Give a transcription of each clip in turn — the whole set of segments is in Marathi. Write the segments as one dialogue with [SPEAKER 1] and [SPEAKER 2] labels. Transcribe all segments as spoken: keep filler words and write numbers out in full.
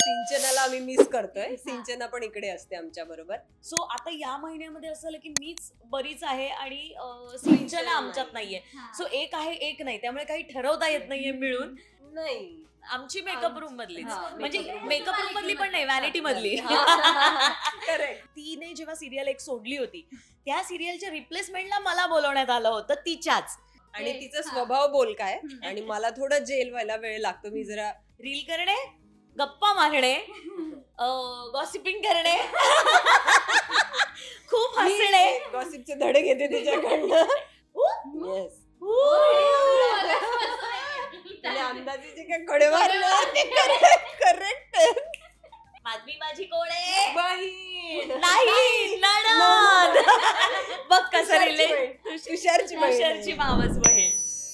[SPEAKER 1] सिंचनाला आम्ही मिस करतोय. सिंचना पण इकडे असते आमच्या बरोबर.
[SPEAKER 2] सो आता या महिन्यामध्ये असं झालं की मीच बरीच आहे आणि अं, सिंचना आमच्यात नाहीये. सो एक आहे एक नाही, त्यामुळे काही ठरवता येत नाहीये मिळून.
[SPEAKER 1] नाही
[SPEAKER 2] आमची मेकअप रूम मधलीच,
[SPEAKER 1] हा,
[SPEAKER 2] म्हणजे
[SPEAKER 1] makeup room.
[SPEAKER 2] मेकअप रूम मधली पण नाही, व्हॅनिटी मधली.
[SPEAKER 1] करेक्ट.
[SPEAKER 2] तिने जेव्हा सिरियल एक सोडली होती, त्या सिरियलच्या रिप्लेसमेंटला मला बोलवण्यात आलं होतं तिच्याच.
[SPEAKER 1] आणि तिचा स्वभाव बोलकाय आणि मला थोडं जेल व्हायला वेळ लागतो. मी जरा
[SPEAKER 2] रील करणे, गप्पा मारणे, गॉसिपिंग करणे, खूप हसणे.
[SPEAKER 1] गॉसिपचे धडे घेते तिच्याकडनं. येस. आणि अंदाजीचे काय कडे मारले करेक्ट.
[SPEAKER 2] माझी माझी कोण आहे?
[SPEAKER 1] बहीण
[SPEAKER 2] नाही, नणंद. बघ कसं रिले
[SPEAKER 1] तुषारची
[SPEAKER 2] तुषारची मावस बहीण.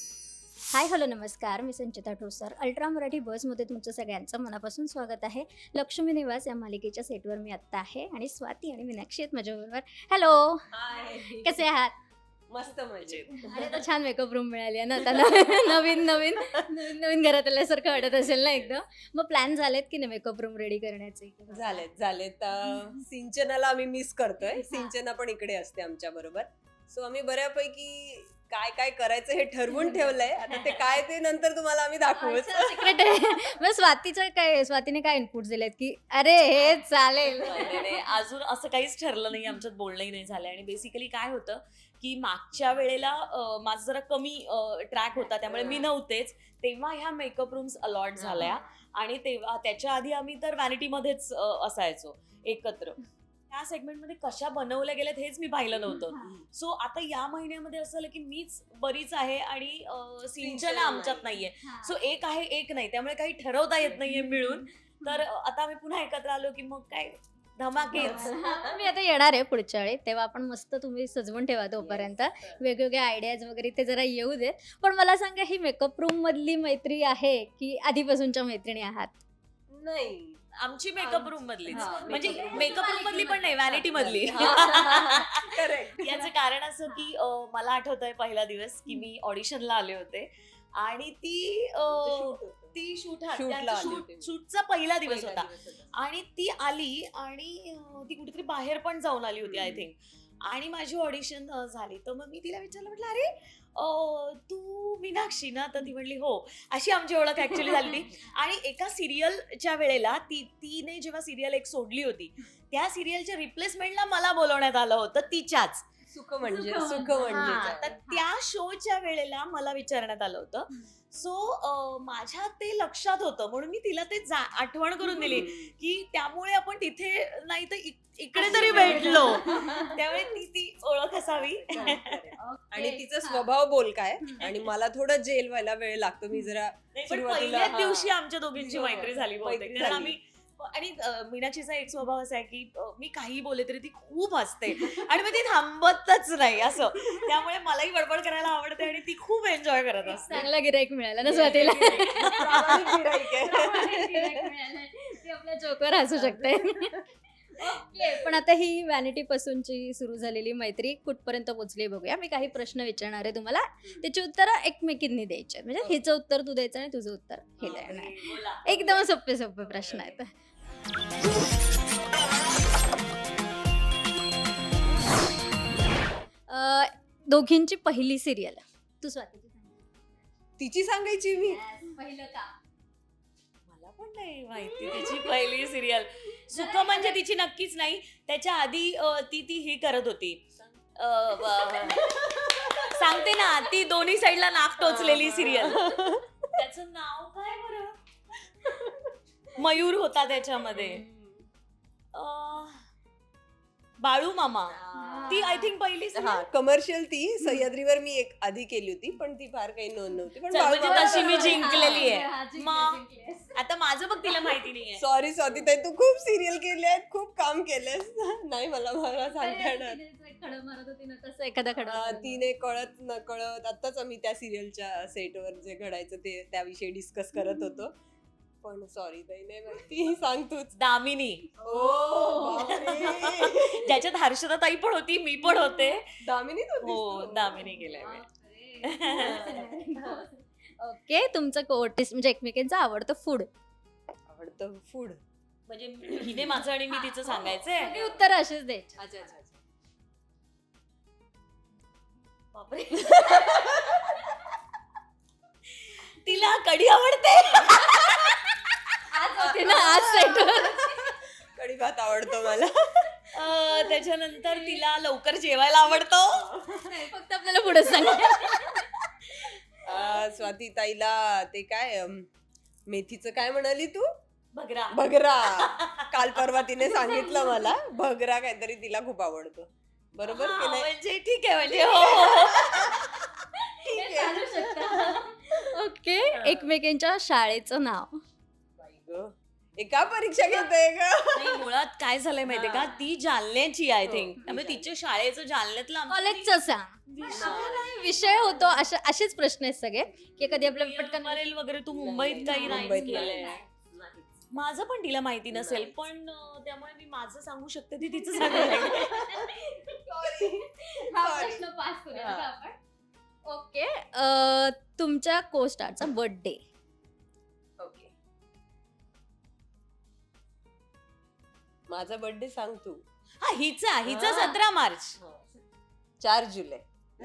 [SPEAKER 3] हाय हॅलो नमस्कार, मी संचिता ठोसर. अल्ट्रा मराठी बसमध्ये तुमचं सगळ्यांचं मनापासून स्वागत आहे. लक्ष्मी निवास या मालिकेच्या सेटवर मी आत्ता आहे आणि स्वाती आणि मीनाक्षी आहेत माझ्याबरोबर. हॅलो, कसे आहात?
[SPEAKER 1] मस्त मजेत.
[SPEAKER 3] अरे तर छान मेकअप रूम मिळाली आहे ना आता. नवीन नवीन नवीन नवीन नवीन घरात आल्यासारखं वाटत असेल ना एकदम. मग प्लॅन झालेत की नाही मेकअप रूम रेडी करण्याचे?
[SPEAKER 1] झालेत झालेत. अं, सिंचनाला आम्ही मिस करतोय. सिंचना पण इकडे असते आमच्या बरोबर. सो आम्ही बऱ्यापैकी काय काय करायचं हे ठरवून ठेवलंय. आता ते काय ते नंतर तुम्हाला आम्ही दाखवूच.
[SPEAKER 3] सिक्रेट आहे. मग स्वातीचं काय, स्वातीने काय इनपुट दिलेत की अरे हे चालेल?
[SPEAKER 2] नाही, नाही, अजून असं काहीच ठरलं नाही, आमच्यात बोलणंही नाही झालंय. आणि बेसिकली काय होतं की मागच्या वेळेला अं, माझा जरा कमी ट्रॅक होता, त्यामुळे मी नव्हतेच. तेव्हा ह्या मेकअप रूम्स अलॉट झाल्या आणि तेव्हा त्याच्या आधी आम्ही तर व्हॅनिटीमध्येच अं, असायचो एकत्र. त्या सेगमेंटमध्ये कशा बनवल्या गेल्यात हेच मी पाहिलं नव्हतं. सो आता या महिन्यामध्ये असं झालं की मीच बरीच आहे आणि अं, सिंचना आमच्यात नाहीये. सो एक आहे एक नाही, त्यामुळे काही ठरवता येत नाहीये मिळून. तर आता आम्ही पुन्हा एकत्र आलो की मग काय धमाकेच.
[SPEAKER 3] मी आता येणार आहे पुढच्या वेळी, तेव्हा आपण मस्त तुम्ही सजवून ठेवा तोपर्यंत. वेगवेगळ्या आयडियाज वगैरे ते जरा येऊ देत. पण मला सांगा, ही मेकअप रूम मधली मैत्री आहे की आधीपासूनच्या मैत्रिणी आहात?
[SPEAKER 1] नाही
[SPEAKER 2] आमची मेकअप रूम मधलीच,
[SPEAKER 1] हा,
[SPEAKER 2] म्हणजे
[SPEAKER 1] makeup room.
[SPEAKER 2] मेकअप रूम मधली पण नाही, व्हॅनिटी मधली.
[SPEAKER 1] करेक्ट.
[SPEAKER 2] याचं कारण असं की अं, मला आठवत आहे पहिला दिवस की मी ऑडिशनला आले होते आणि ती अं, ती शूट
[SPEAKER 1] Shootला आली होती.
[SPEAKER 2] शूटचा पहिला दिवस होता आणि ती आली आणि अं, ती कुठेतरी बाहेर पण जाऊन आली होती आय थिंक. आणि माझी ऑडिशन झाली, तर मग मी तिला विचारलं, म्हटलं अरे अं, तू मीनाक्षी ना? तर ती म्हणली हो. अशी आमची ओळख ऍक्च्युली झाली ती. आणि एका सिरियलच्या वेळेला ती तिने जेव्हा सिरियल एक सोडली होती, त्या सिरियलच्या रिप्लेसमेंटला मला बोलवण्यात आलं होतं तिच्याच.
[SPEAKER 1] सुख म्हणजे सुख
[SPEAKER 2] हा,
[SPEAKER 1] म्हणजे
[SPEAKER 2] तर त्या शोच्या वेळेला मला विचारण्यात आलं होतं. सो माझ्या ते लक्षात होतं, म्हणून मी तिला ते जा- आठवण करून दिली की त्यामुळे आपण तिथे नाही तर इक- इकडे तरी भेटलो, त्यामुळे ती ती ओळख असावी.
[SPEAKER 1] आणि तिचा स्वभाव बोलकाय आणि मला थोडं जेल व्हायला वेळ लागतो. मी जरा
[SPEAKER 2] नाही, पण
[SPEAKER 1] सुरुवातीला-
[SPEAKER 2] पहिल्याच
[SPEAKER 1] हा.
[SPEAKER 2] दिवशी आमच्या दोघींची मैत्री झाली बहुतेक.
[SPEAKER 1] मैत्री
[SPEAKER 2] कारण
[SPEAKER 1] झाली.
[SPEAKER 2] आम्ही आणि अं, मीनाक्षीचा एक स्वभाव असा आहे की अं, मी काही बोलले तरी ती खूप हसते आणि मग ती थांबतच नाही असं. त्यामुळे मलाही बडबड करायला आवडते आणि ती खूप एन्जॉय करत असते.
[SPEAKER 3] चांगला गिराईक मिळाला ना स्वातीला.
[SPEAKER 1] प्रामाणिक गिऱ्हाईक आहे.
[SPEAKER 3] ती आपल्या जोकवर हसू शकते. ओके, पण आता ही व्हॅनिटी पासूनची सुरू झालेली मैत्री कुठपर्यंत पोहोचली बघूया. मी काही प्रश्न विचारणार आहे तुम्हाला, त्याची उत्तरं एकमेकींनी द्यायची आहेत. म्हणजे हिचं उत्तर तू द्यायचं आणि तुझं उत्तर हे द्यायचं.
[SPEAKER 2] बोला.
[SPEAKER 3] एकदम सोपे सोपे प्रश्न आहेत. अं, दोघींची पहिली सिरियल तू स्वातीची सांग.
[SPEAKER 1] तिची सांगायची मी.
[SPEAKER 3] पहिलं का?
[SPEAKER 2] मला पण नाही माहिती तिची पहिली सिरियल. सुख म्हणजे तिची नक्कीच नाही. त्याच्या आधी अं, ती ती ही करत होती, अं, ब- सांगते ना, ती दोन्ही साईडला नाक टोचलेली सिरियल. त्याचं नाव काय बरं? मयूर होता त्याच्यामध्ये. अं, बाळू मामा. ती आय थिंक पहिली
[SPEAKER 1] हा, कमर्शियल ती सह्याद्रीवर मी एक आधी केली होती, पण ती फार काही नोंद नव्हती. पण
[SPEAKER 2] म्हणजे तशी मी जिंकलेली
[SPEAKER 3] हा,
[SPEAKER 2] आहे.
[SPEAKER 3] जिंकले,
[SPEAKER 2] मग
[SPEAKER 3] जिंकलेस.
[SPEAKER 2] आता माझं बघ, तिला माहिती नाहीये.
[SPEAKER 1] सॉरी स्वाती ताई, तू खूप सिरियल केले आहेत, खूप काम केलंस. नाही मला मला सांगता येणार.
[SPEAKER 3] तिने जो एक खडा मारत होती ना, तसं एखादा खडा
[SPEAKER 1] अं,
[SPEAKER 3] मारला.
[SPEAKER 1] तिने कळत न कळत आताच आम्ही त्या सिरियलच्या सेटवर जे घडायचं ते त्याविषयी डिस्कस करत होतो. पण सॉरी ताई, नाही माहिती. सांग तूच.
[SPEAKER 2] दामिनी.
[SPEAKER 1] ओ बापरे.
[SPEAKER 2] ज्याच्यात हर्षदा ताई पण होती, मी पण होते.
[SPEAKER 1] दामिनीच होतीस
[SPEAKER 2] हो,
[SPEAKER 1] तू?
[SPEAKER 2] दामिनी केलंय मी.
[SPEAKER 3] ओके, तुमचं कोटिस म्हणजे एकमेकांचं आवडतं फूड?
[SPEAKER 1] आवडतं फूड
[SPEAKER 2] म्हणजे हिने माझं आणि मी तिचं सांगायचंय.
[SPEAKER 3] सगळी उत्तर अशीच द्यायची.
[SPEAKER 1] अच्छा अच्छा अच्छा.
[SPEAKER 2] बापरे. तिला कढी आवडते.
[SPEAKER 3] आज होती ना आज सेट.
[SPEAKER 1] कढी भात आवडतो मला.
[SPEAKER 2] अं, त्याच्यानंतर तिला लवकर जेवायला आवडतो.
[SPEAKER 3] फक्त आपल्याला पुढे सांग.
[SPEAKER 1] अं, स्वाती ताईला ते काय अं, मेथीचं काय म्हणाली तू?
[SPEAKER 2] बघरा.
[SPEAKER 1] भगरा. काल परवा तिने सांगितलं मला भगरा काहीतरी तिला खूप आवडतो. बरोबर की
[SPEAKER 2] हा,
[SPEAKER 1] नाही?
[SPEAKER 2] म्हणजे ठीक आहे म्हणजे हो, हो, हो.
[SPEAKER 1] ठीक आहे.
[SPEAKER 3] ओके. एकमेकांच्या शाळेचं नाव.
[SPEAKER 1] बाई गं, एका परीक्षा घेते ग.
[SPEAKER 2] नाही, मुळात काय झालंय माहितीये का, ती जालन्याची आय
[SPEAKER 1] हो,
[SPEAKER 2] थिंक.
[SPEAKER 1] ती
[SPEAKER 2] त्यामुळे
[SPEAKER 1] जालन्याची.
[SPEAKER 2] तिच्या शाळेचं जालन्यातलं आमचं
[SPEAKER 3] कॉलेजचं सांग.
[SPEAKER 2] विषय-
[SPEAKER 3] आपल्याला विषय होतो अशा असेच प्रश्न आहेत सगळे की कधी आपल्याला पटकन
[SPEAKER 2] मरेल वगैरे तू मुंबईत काही नाही
[SPEAKER 1] मुंबईत
[SPEAKER 2] केलंय.
[SPEAKER 1] नाही.
[SPEAKER 2] माझं पण तिला माहिती नसेल,
[SPEAKER 1] नाही.
[SPEAKER 2] पण अं, त्यामुळे मी माझं सांगू शकते, ती तिचं सांगू शकते.
[SPEAKER 3] हा
[SPEAKER 1] Sorry.
[SPEAKER 3] प्रश्न पास करूया
[SPEAKER 1] हा.
[SPEAKER 3] का आपण. ओके. अं, तुमच्या को स्टारचा बर्थडे.
[SPEAKER 1] ओके. माझा बर्थडे सांग तू.
[SPEAKER 2] हा, हिचा हिचा
[SPEAKER 1] हा.
[SPEAKER 2] सतरा मार्च.
[SPEAKER 1] चार जुलै.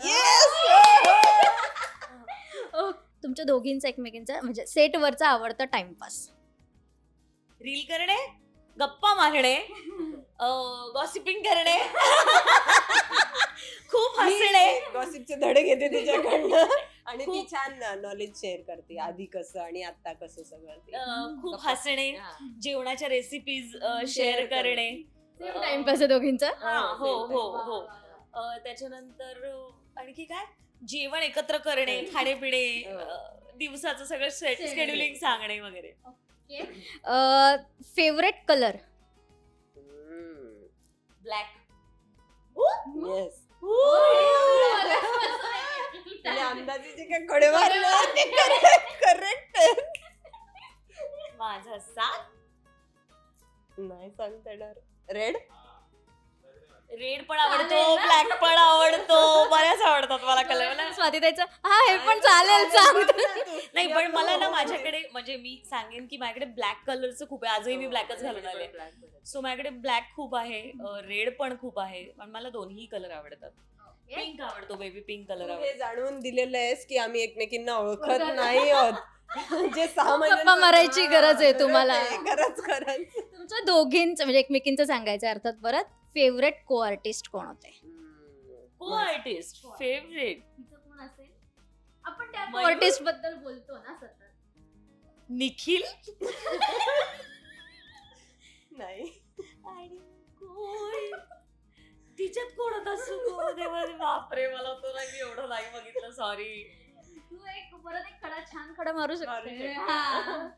[SPEAKER 3] तुमच्या दोघींचा एकमेकींचा म्हणजे सेटवरचा आवडता टाइमपास.
[SPEAKER 2] रील करणे, गप्पा मारणे, गॉसिपिंग करणे, खूप हसणे.
[SPEAKER 1] गॉसिपचे धडे घेते तिच्याकडनं आणि ती
[SPEAKER 2] खूप-
[SPEAKER 1] छान नॉलेज शेअर करते आधी कसं आणि आता कसं सगळं ते.
[SPEAKER 2] अं, खूप
[SPEAKER 1] गप्पा.
[SPEAKER 2] हसणे,
[SPEAKER 1] हा.
[SPEAKER 2] जेवणाच्या रेसिपीज
[SPEAKER 1] Share
[SPEAKER 2] शेअर करणे.
[SPEAKER 3] टाइमपास आहे दोघींचा.
[SPEAKER 2] हा, हो हो हो. अं, त्याच्यानंतर अं, आणखी काय, जेवण एकत्र करणे, खाणेपिणे,
[SPEAKER 1] हो.
[SPEAKER 2] अं, दिवसाचं सगळं
[SPEAKER 3] Scheduling.
[SPEAKER 2] शेड्युलिंग सांगणे वगैरे.
[SPEAKER 3] Favourite colour.
[SPEAKER 2] ब्लॅक.
[SPEAKER 1] येस. त्याने अंदाजेचे काय कडे मारले करेक्ट.
[SPEAKER 2] माझा सात.
[SPEAKER 1] नाही सांगता येणार. रेड.
[SPEAKER 2] रेड पण आवडतो,
[SPEAKER 3] चालेल ना?
[SPEAKER 2] ब्लॅक पण आवडतो, बऱ्याच आवडतात मला कलर. मला
[SPEAKER 3] स्वाती द्यायचं हा हे पण चालेल सांग.
[SPEAKER 2] नाही, पण मला ना माझ्याकडे म्हणजे मी सांगेन की माझ्याकडे ब्लॅक कलरचं खूप आहे. आजही मी ब्लॅकच घालून आले. सो माझ्याकडे ब्लॅक खूप आहे, रेड पण खूप आहे, पण मला दोन्ही कलर आवडतात. पिंक आवडतो, बेबी पिंक कलर
[SPEAKER 1] तू
[SPEAKER 2] आवडतो.
[SPEAKER 1] हे जाणून दिलेलं आहेस की आम्ही एकमेकींना ओळखत नाही आहोत. जे सहा
[SPEAKER 3] गप्पा मारायची गरज आहे तुम्हाला.
[SPEAKER 1] खरंच खरंच.
[SPEAKER 3] तुमच्या दोघींचं म्हणजे एकमेकींचं सांगायचं अर्थात परत फेवरेट को आर्टिस्ट कोण होते.
[SPEAKER 2] को आर्टिस्ट फेवरेट
[SPEAKER 3] कोण असेल. आपण त्या
[SPEAKER 2] मयूर?
[SPEAKER 3] आर्टिस्ट बद्दल बोलतो ना सतत.
[SPEAKER 2] निखिल.
[SPEAKER 1] नाही.
[SPEAKER 2] आणि कोण? तिच्यात कोण होता सुको देवा, बापरे, मला तो नाही, मी एवढं नाही बघितलं, सॉरी.
[SPEAKER 3] तू एक परत एक खडा छान खडा मारू
[SPEAKER 1] मारू
[SPEAKER 3] शकते.
[SPEAKER 1] शकते.
[SPEAKER 3] हा.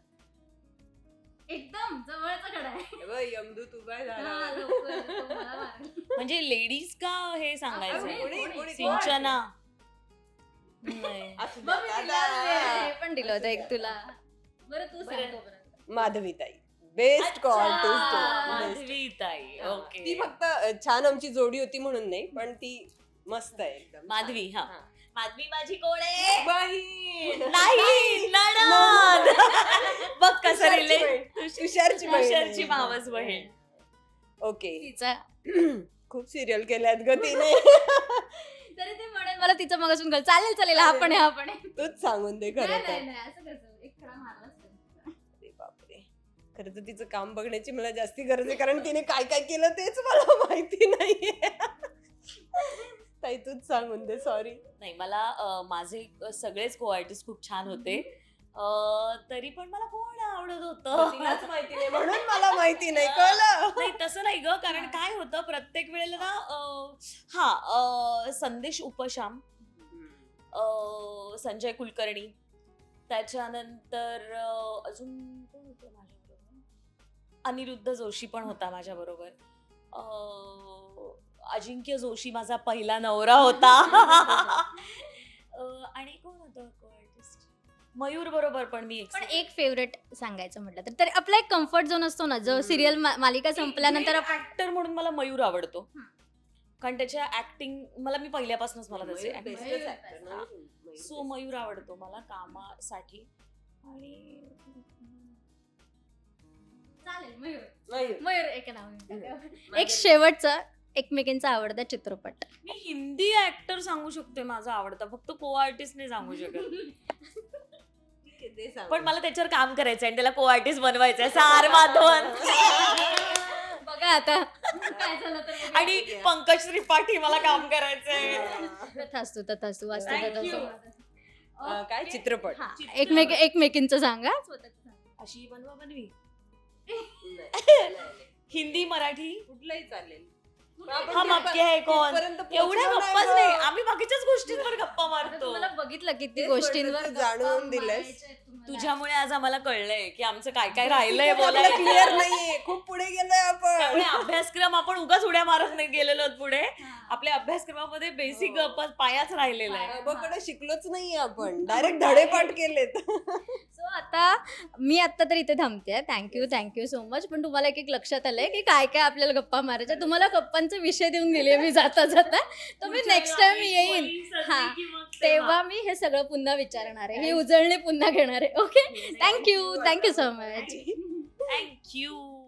[SPEAKER 3] एकदम जवळचा खडा आहे.
[SPEAKER 1] बघ, यमदूत उभा आहे
[SPEAKER 3] हा,
[SPEAKER 1] झाडावर.
[SPEAKER 3] लवकर, तो मला मारेल.
[SPEAKER 2] म्हणजे लेडीज का हे
[SPEAKER 1] कोणी-
[SPEAKER 2] सांगायचं.
[SPEAKER 1] कोणी- कोणी-
[SPEAKER 2] सिंचना. नाही.
[SPEAKER 1] असू दे,
[SPEAKER 3] बघ, मी तिला
[SPEAKER 1] आता.
[SPEAKER 3] हे पण दिलं होतं एक तुला. बरं तू
[SPEAKER 2] बरं.
[SPEAKER 3] सांग तोपर्यंत.
[SPEAKER 1] माधवीताई बेस्ट को
[SPEAKER 2] अच्छा,
[SPEAKER 1] आर्टिस्ट.
[SPEAKER 2] माधवी ताई. ओके.
[SPEAKER 1] ती फक्त अ, छान आमची जोडी होती म्हणून नाही, पण ती मस्त आहे एकदम.
[SPEAKER 2] माधवी, हा.
[SPEAKER 1] हा.
[SPEAKER 2] माधवी माझी कोण आहे?
[SPEAKER 1] बहीण.
[SPEAKER 2] नाही, नणंद. बघ कसं
[SPEAKER 1] तुषारची
[SPEAKER 2] रिले
[SPEAKER 1] बहीण. तुषारची बहीण आहे.
[SPEAKER 2] तुषारची मावस बहीण.
[SPEAKER 1] ओके.
[SPEAKER 3] तिचा
[SPEAKER 1] खूप सिरियल केल्यात ग तिने.
[SPEAKER 3] तरी ते म्हणेल मला तिचं मगासून कळ चालेल चालेल हा पण आहे हा पण आहे.
[SPEAKER 1] तूच सांगून दे खरं
[SPEAKER 3] नाही
[SPEAKER 1] तर.
[SPEAKER 3] नाही नाही, असं कसं एक खडा मारलाच नाही.
[SPEAKER 1] अरे बापरे, खरं तर तिचं काम बघण्याची मला जास्ती गरज आहे, कारण तिने काय काय केलं तेच मला माहिती नाहीये. ताई तूच सांगून दे. सॉरी.
[SPEAKER 2] नाही, मला अं, माझे सगळेच को आर्टिस्ट खूप छान होते. अं, तरी पण मला कोण आवडत होतं
[SPEAKER 1] तिलाच माहिती नाही म्हणून मला माहिती नाही. कळलं.
[SPEAKER 2] नाही, तसं नाही ग, कारण काय होतं प्रत्येक वेळेला ना अं, हा अं, संदेश उपशाम, अं, संजय कुलकर्णी, त्याच्यानंतर अं, अजून कोण होतं माझ्याबरोबर, अनिरुद्ध जोशी पण होता माझ्याबरोबर, अं, अजिंक्य जोशी माझा पहिला नवरा होता. अं, आणि कोण होतं को आर्टिस्ट, मयूर बरोबर पण मी
[SPEAKER 3] पण एक फेवरेट सांगायचं म्हटलं तर तरी आपला एक कम्फर्ट झोन असतो ना जो सिरियल मालिका संपल्यानंतर आपण
[SPEAKER 2] ऍक्टर म्हणून मला मयूर आवडतो,
[SPEAKER 3] हं.
[SPEAKER 2] कारण त्याच्या ऍक्टिंग मला मी पहिल्यापासूनच मला त्याचे
[SPEAKER 1] मयूर
[SPEAKER 2] acting-
[SPEAKER 1] bestच actor ना. मयूर
[SPEAKER 2] सो मयूर आवडतो मला कामासाठी. आणि
[SPEAKER 3] चालेल मयूर
[SPEAKER 1] मयूर.
[SPEAKER 3] मयूर एक नाव घेऊन टाका.
[SPEAKER 1] माझं-
[SPEAKER 3] एक शेवटचा एकमेकींचा आवडता चित्रपट.
[SPEAKER 2] मी हिंदी ऍक्टर सांगू शकते माझा आवडता, फक्त को आर्टिस्ट नाही सांगू शकत.
[SPEAKER 1] ठीक आहे, ते सांग.
[SPEAKER 2] पण मला त्याच्यावर काम करायचंय आणि त्याला को आर्टिस्ट बनवायचंय. सार माधवन
[SPEAKER 3] बघा आता काय झालं तर बघा.
[SPEAKER 2] आणि पंकज त्रिपाठी मला काम करायचंय.
[SPEAKER 3] तथास्तु तथास्तु वास्तू
[SPEAKER 2] Thank
[SPEAKER 3] तथास्तु.
[SPEAKER 2] you.
[SPEAKER 1] अं, काय चित्रपट
[SPEAKER 3] हा,
[SPEAKER 2] चित्रपट.
[SPEAKER 3] एकमेक एकमेकींचं सांगा.
[SPEAKER 2] अशी बनवा बनवी.
[SPEAKER 1] नाही, नाही, नाही.
[SPEAKER 2] हिंदी मराठी
[SPEAKER 1] कुठलंही चालेल.
[SPEAKER 2] हम आपके है कौन.
[SPEAKER 1] तिथपर्यंत
[SPEAKER 2] एवढ्या
[SPEAKER 1] पोहोचलो
[SPEAKER 2] गप्पाच
[SPEAKER 1] नाही
[SPEAKER 2] नाही,
[SPEAKER 1] गं.
[SPEAKER 2] आम्ही बाकीच्याच गोष्टींवर गप्पा मारतो.
[SPEAKER 3] तुम्हाला बघितलं किती
[SPEAKER 1] तेच
[SPEAKER 3] गोष्टींवर
[SPEAKER 1] म्हटलं, तू
[SPEAKER 3] गप्पा
[SPEAKER 1] जाणून दिलंस.
[SPEAKER 3] मारायच्या आहेत तुम्हाला.
[SPEAKER 2] तुझ्यामुळे आज आम्हाला कळलंय की आमचं काय काय राहिलंय
[SPEAKER 1] आपलं
[SPEAKER 2] बोलायला.
[SPEAKER 1] क्लिअर नाहीये, खूप पुढे गेलोय आपण.
[SPEAKER 2] त्यामुळे अभ्यासक्रम आपण उगाच उड्या मारत नाही गेलेलो आहोत पुढे.
[SPEAKER 3] हा.
[SPEAKER 2] आपल्या अभ्यासक्रमामध्ये बेसिक
[SPEAKER 1] हो.
[SPEAKER 2] पायाच राहिलेला आहे.
[SPEAKER 1] बाबाकडे शिकलोच नाहीये आपण, डायरेक्ट धडेपाठ केलेत.
[SPEAKER 3] सो आता मी आता तर इथे थांबते. Thank you thank you so much. पण तुम्हाला एक एक लक्षात आलंय की काय काय आपल्याला गप्पा मारायच्या. तुम्हाला गप्पांचे विषय देऊन दिले मी जाता जाता. तर मी नेक्स्ट टाइम येईन हा तेव्हा मी हे सगळं पुन्हा विचारणार आहे, ही उजळणी पुन्हा घेणार आहे. Okay, thank you thank you so much.
[SPEAKER 2] Thank you.